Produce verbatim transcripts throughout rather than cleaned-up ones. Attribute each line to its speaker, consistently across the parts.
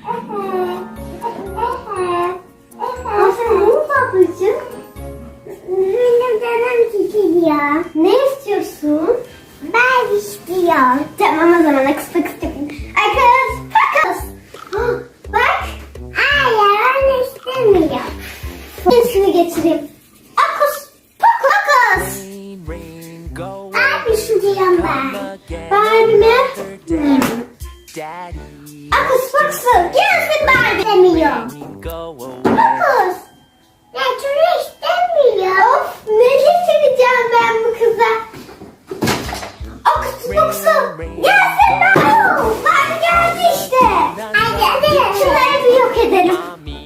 Speaker 1: Aferin babacığım. Benim canım çekiliyor. Ne istiyorsun? Ben istiyorum. Tamam o zaman akıs pakıs yapayım. Akıs pakıs. Bak. Hayır onu istemiyorum. Şunu getireyim. Akıs pakıs. Abi istiyorum ben. Barbie mi? Hmm. Akıs pakıs. Gelsin Barbie istemiyorum. Akıs. Ya şunu istemiyor. Of ne getireceğim ben bu kıza? Akıs pakıs. Gelsin Barbie. Barbie geldi işte. Hadi hadi. Şunları bir yok edelim.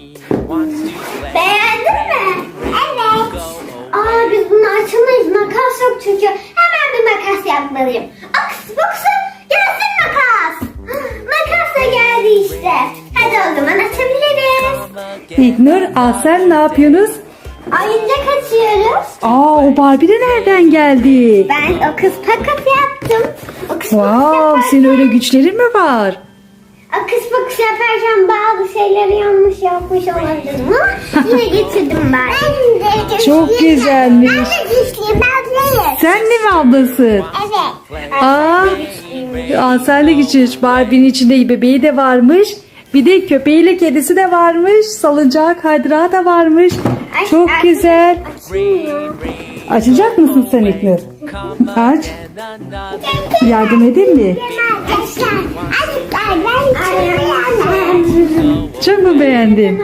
Speaker 1: Beğendin mi? Evet. Aa biz bunu açamayız. Makas yok çünkü. Hemen bir makas yapmalıyım. Akıs pakıs. Gelsin makas. Makas da geldi işte. Hadi o zaman açabiliriz.
Speaker 2: İlknur, Asel ne yapıyorsunuz?
Speaker 1: Oyuncak açıyoruz.
Speaker 2: Aa, o Barbie de nereden geldi?
Speaker 1: Ben o kız pakas yaptım. O kız
Speaker 2: Wow,
Speaker 1: pakas
Speaker 2: senin
Speaker 1: yaparken,
Speaker 2: öyle güçlerin mi var?
Speaker 1: o kız pakas yaparken bazı şeyleri yanlış yapmış olabilirim ama yine getirdim ben. Ben de güçlüyüm.
Speaker 2: Çok güzelmiş.
Speaker 1: Ben de güçlüyüm. Ben değilim.
Speaker 2: Sen de mi ablasın?
Speaker 1: Evet.
Speaker 2: Aa, Asel de güçlü. Barbie'nin içinde bebeği de varmış. Bir de köpeğiyle kedisi de varmış. Salıncağı, kaydırağı da varmış.
Speaker 1: Aç,
Speaker 2: Çok
Speaker 1: aç.
Speaker 2: güzel.
Speaker 1: Açılmıyor.
Speaker 2: Açacak mısın sen İlknur? Aç. Yardım edeyim mi?
Speaker 1: Arkadaşlar. Arkadaşlar ben içiyorum.
Speaker 2: Çok mu beğendin?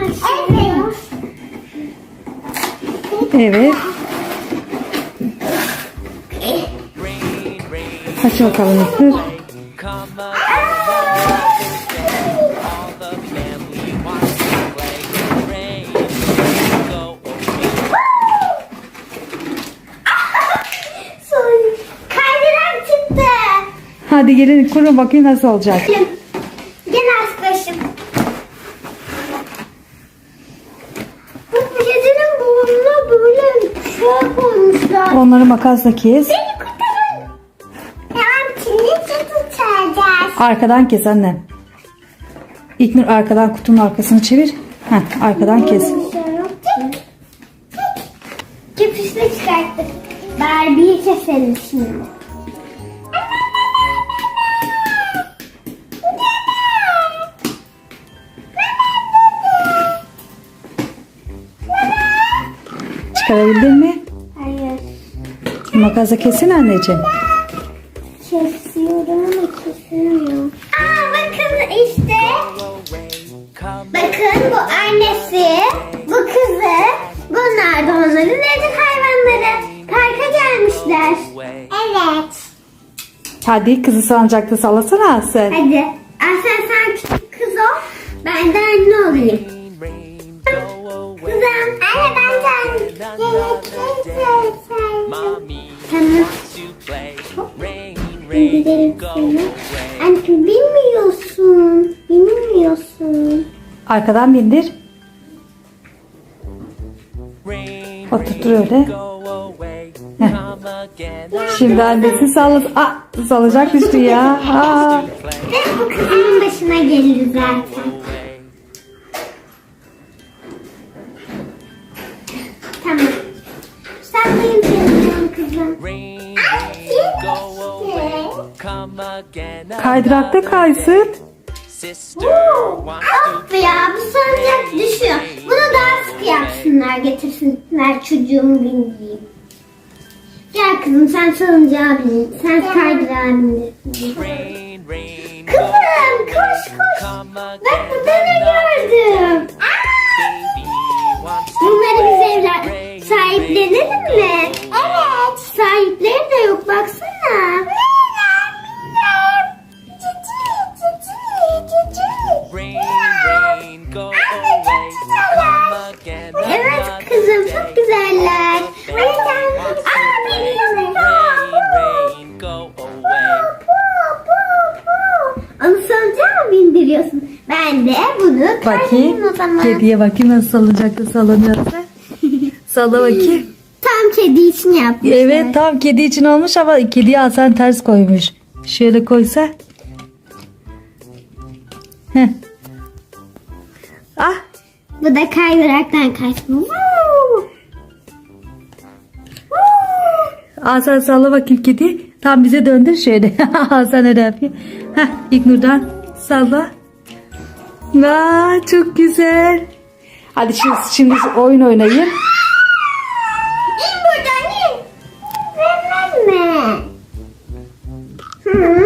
Speaker 1: Evet.
Speaker 2: Evet. Aç bakalım İlknur.
Speaker 1: Kaydırak çıktı.
Speaker 2: Hadi gelin kurun bakayım nasıl olacak.
Speaker 1: Gel arkadaşım. Bu kedinin burnuna böyle şey koymuşlar.
Speaker 2: Onları makasla kes.
Speaker 1: Beni kurtarın. Tamam şimdi tutacağız.
Speaker 2: Arkadan kes annem. İlknur arkadan kutunun arkasını çevir. Heh, arkadan kes.
Speaker 1: Köpüşle çıkarttık. Barbie'yi keselim şimdi.
Speaker 2: Çıkarabildin mi?
Speaker 1: Hayır.
Speaker 2: Makasla kesin anneciğim.
Speaker 1: Kesiyorum ama kesemiyorum. Aa bakın işte. Bakın bu annesi, bu kızı, bunlar da onların evcil hayvanları. Parka gelmişler. Evet.
Speaker 2: Hadi kızı salıncakta sallasana Asel.
Speaker 1: Hadi. Aslen sen küçük kız ol. Ben de anne olayım. Kızım. Anne ben de anne. Tamam. Bindirelim seni. Anne bilmiyorsun. Bilmiyorsun.
Speaker 2: Arkadan bindir. Oturtur öyle. Heh. Şimdi annesi sallas. Aa, salacak düştü ya. Aa.
Speaker 1: Ve bu kızımın başına gelir zaten. Tamam. Saklayayım seni kızım.
Speaker 2: Kaydırakta kaysın.
Speaker 1: Of ya bu salıncak düşüyor. Bunu daha sık yapsınlar, getirsinler çocuğumu bindireyim. Gel kızım sen salıncağa bin. Sen kaydırağa bindirsin. Kızım koş koş. Bak burada ne gördüm. Aa! Bunları biz evler sahiplenelim mi? Evet. Sahipleri de yok baksana. Evet kızım çok güzeller. Aa biliyorum. Onu salıncağa mı bindiriyorsun? Ben de bunu
Speaker 2: Bakayım.
Speaker 1: o zaman.
Speaker 2: Kediye bakayım nasıl salıncakta sallanıyorsa. Salla bakayım.
Speaker 1: Tam kedi için yapmışlar.
Speaker 2: Evet tam kedi için olmuş ama kediye Hasan ters koymuş. Şöyle koysa. Heh. Ah.
Speaker 1: Bu da kaydıraktan kaçma. Woo! Woo!
Speaker 2: Hasan salla bakayım kedi. Tam bize döndür şöyle. Hasan öyle yapıyor. Heh, İlknur'dan salla. Vaa, çok güzel. Hadi şimdi, şimdi oyun oynayın.
Speaker 1: İn buradan in. Vermem. Hı.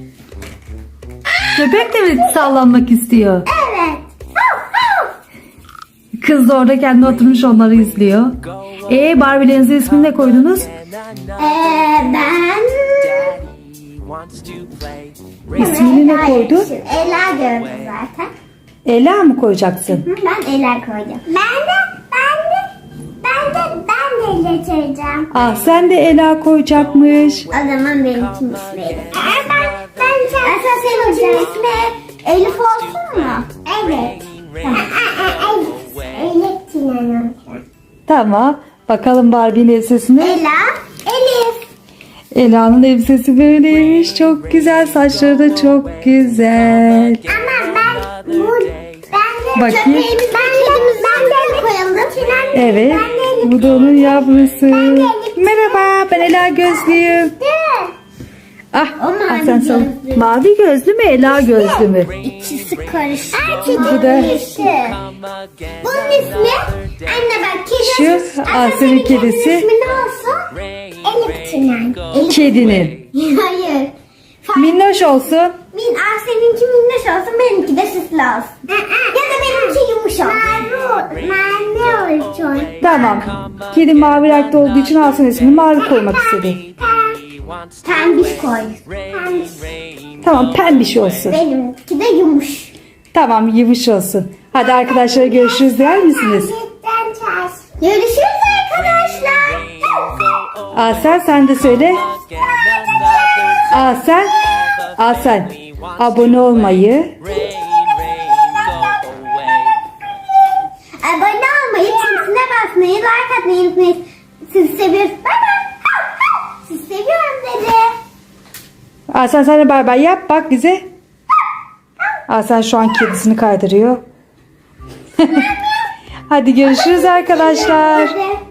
Speaker 2: Köpek de mi sallanmak istiyor?
Speaker 1: Evet. Hav, hav.
Speaker 2: Kız da orada kendi oturmuş onları izliyor. Ee Barbie'lerinizin ismini ne koydunuz?
Speaker 1: Ee, ben...
Speaker 2: İsmini ne
Speaker 1: Ela
Speaker 2: koydun?
Speaker 1: yazmışım. Ela gördüm zaten.
Speaker 2: Ela mı koyacaksın?
Speaker 1: Hı, ben Ela koydum. Ben de, ben de, ben de, ben de getireceğim.
Speaker 2: Ah sen de Ela koyacakmış.
Speaker 1: O zaman benim için ismi Elif. Ee, ben, ben, sen, Esas senin için ismi Elif olsun mu? Evet. Elif Sinan.
Speaker 2: Tamam. Bakalım Barbie'nin elbisesine.
Speaker 1: Ela, Elif.
Speaker 2: Ela'nın elbisesi böyleymiş. Çok güzel. Saçları da çok güzel.
Speaker 1: Ama ben bu ben de
Speaker 2: Bakayım.
Speaker 1: köpeğimiz ben kedimiz ben de koyalım. Sinan,
Speaker 2: Evet.
Speaker 1: ben de
Speaker 2: Bu da onun yavrusu.
Speaker 1: Ben de Elif.
Speaker 2: Merhaba. Ben Ela Gözlüyüm.
Speaker 1: Dur.
Speaker 2: Ah,
Speaker 1: O mavi
Speaker 2: ah sen sal.
Speaker 1: gözlü.
Speaker 2: Mavi gözlü mü? Ela gözlü mü?
Speaker 1: İkisi karıştı.
Speaker 2: Bu da-
Speaker 1: Bunun ismi anne bak kedi.
Speaker 2: Şu
Speaker 1: Anne,
Speaker 2: Asya'nın
Speaker 1: senin kedinin
Speaker 2: kedisi.
Speaker 1: ismi ne olsun? Elif Sinan. Elif.
Speaker 2: Kedinin.
Speaker 1: Hayır. Fa-
Speaker 2: Minnoş olsun.
Speaker 1: Min, ah, seninki minnoş olsun, benimki de süslü olsun. Ya da benimki yumuş olsun. Mavi, mavi olsun.
Speaker 2: Tamam. Kedi mavi renkte olduğu için Hasan ismini mavi koymak istedi.
Speaker 1: Pembiş koy. Pembiş.
Speaker 2: Tamam pembiş olsun.
Speaker 1: Benimki de yumuş.
Speaker 2: Tamam yumuş olsun. Hadi arkadaşlar görüşürüz der misiniz?
Speaker 1: Görüşürüz arkadaşlar.
Speaker 2: Asel sen de söyle. Asel. Asel. Abone olmayı.
Speaker 1: Abone olmayı, çizgisine basmayı, like atmayı unutmayın. Sizi seviyoruz. Bay bay. Sizi seviyorum dedi.
Speaker 2: Asel sen de bay bay yap bak bize. Asel şu an kedisini kaydırıyor. Hadi görüşürüz arkadaşlar.
Speaker 1: Hadi.